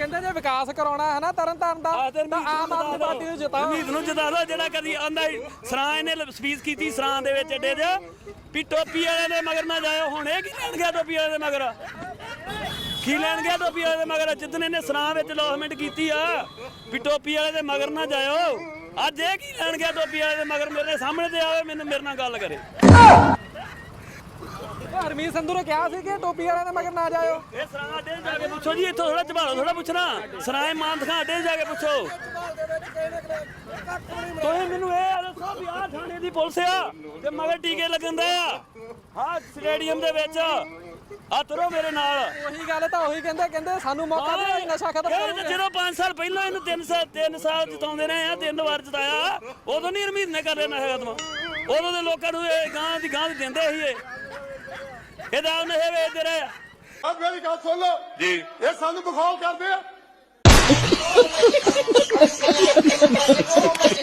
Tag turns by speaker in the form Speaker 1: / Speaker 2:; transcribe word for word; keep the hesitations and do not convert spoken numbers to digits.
Speaker 1: ਕਹਿੰਦੇ ਜੇ ਵਿਕਾਸ ਕਰਾਉਣਾ ਹੈ ਨਾ ਤਰਨਤਾਰਨ ਦਾ ਤਾਂ ਆਮ ਆਦਮੀ ਪਾਰਟੀ ਨੂੰ ਜਿਤਾਓ।
Speaker 2: ਉਮੀਦ ਨੂੰ ਜਿਤਾ ਦੋ। ਜਿਹੜਾ ਕਦੀ ਆਂਦਾ ਸਰਾਂ ਇਹਨੇ ਸਪੀਚ ਕੀਤੀ ਸਰਾਂ ਦੇ ਵਿੱਚ ਅੱਡੇ 'ਚ ਵੀ ਟੋਪੀ ਵਾਲੇ ਦੇ ਮਗਰ ਨਾ ਜਾਇਓ। ਹੁਣ ਇਹ ਕੀ ਲੈਣ ਗਿਆ ਟੋਪੀ ਵਾਲੇ ਦੇ ਮਗਰ? ਕੀ ਲੈਣ ਗਿਆ ਟੋਪੀ ਵਾਲੇ ਦੇ ਮਗਰ? ਜਿੱਦਣ ਇਹਨੇ ਸਰਾਂ ਵਿੱਚ ਲੌਸਮੈਂਟ ਕੀਤੀ ਆ ਵੀ ਟੋਪੀ ਵਾਲੇ ਦੇ ਮਗਰ ਨਾ ਜਾਇਓ, ਅੱਜ ਇਹ ਕੀ ਲੈਣ ਗਿਆ ਟੋਪੀ ਵਾਲੇ ਦੇ ਮਗਰ? ਮੇਰੇ ਸਾਹਮਣੇ ਤੇ ਆਵੇ, ਮੈਨੂੰ ਮੇਰੇ ਨਾਲ ਗੱਲ ਕਰੇ।
Speaker 1: ਹਰਮੀਤ ਸੰਧੂ ਨੇ ਕਿਹਾ ਸੀ ਕਿ ਟੋਪੀ ਵਾਲਿਆਂ ਦੇ ਮਗਰ ਨਾ ਜਾਇਓ।
Speaker 2: ਇਹ ਸਰਾਂ ਅੱਡੇ ਜਾ ਕੇ ਪੁੱਛੋ ਜੀ, ਇੱਥੋਂ ਥੋੜਾ ਝਬਾਲੋ ਥੋੜਾ ਪੁੱਛਣਾ। ਸਰਾਂ ਮਾਨ ਦਿਖਾ ਅੱਡੇ ਜਾ ਕੇ ਪੁੱਛੋ। ਤੁਸੀਂ ਮੈਨੂੰ ਇਹ ਦੱਸੋ ਵੀ ਆਹ ਥਾਣੇ ਦੀ ਪੁਲਿਸ ਆ ਤੇ ਮਗਰ ਟੀਕੇ ਲੱਗਣ ਦੇ ਆ ਹਾਂ ਸਟੇਡੀਅਮ ਦੇ ਵਿੱਚ। ਆ ਤੁਰੋ ਮੇਰੇ ਨਾਲ।
Speaker 1: ਉਹੀ ਗੱਲ ਤਾਂ ਉਹੀ ਕਹਿੰਦੇ ਕਹਿੰਦੇ ਸਾਨੂੰ ਮੌਕਾ ਦੇ ਨਸ਼ਾ ਖਤਮ ਕਰੋ।
Speaker 2: ਜਦੋਂ ਪੰਜ ਸਾਲ ਪਹਿਲਾਂ ਇਹਨੂੰ ਤਿੰਨ ਸਾਲ ਤਿੰਨ ਸਾਲ ਜਿਤਾਉਂਦੇ ਰਹੇ ਆ, ਤਿੰਨ ਵਾਰ ਜਿਤਾਇਆ, ਉਦੋਂ ਨਹੀਂ ਹਰਮੀਤ ਨੇ ਕਰ ਰਿਹਾ ਨਸ਼ਾ ਖਤਮ। ਉਦੋਂ ਦੇ ਲੋਕਾਂ ਨੂੰ ਇਹ ਗਾਂ ਦੀ ਗਾਂ ਦਿੰਦੇ ਸੀ। ਇਹ ਇਹਦਾ ਨਸ਼ੇ ਵੇਚਦੇ ਰਹੇ ਆ।
Speaker 3: ਆ ਮੇਰੀ ਗੱਲ ਸੁਣ ਲਓ ਜੀ, ਇਹ ਸਾਨੂੰ ਬਖੌਲ ਕਰਦੇ ਆ।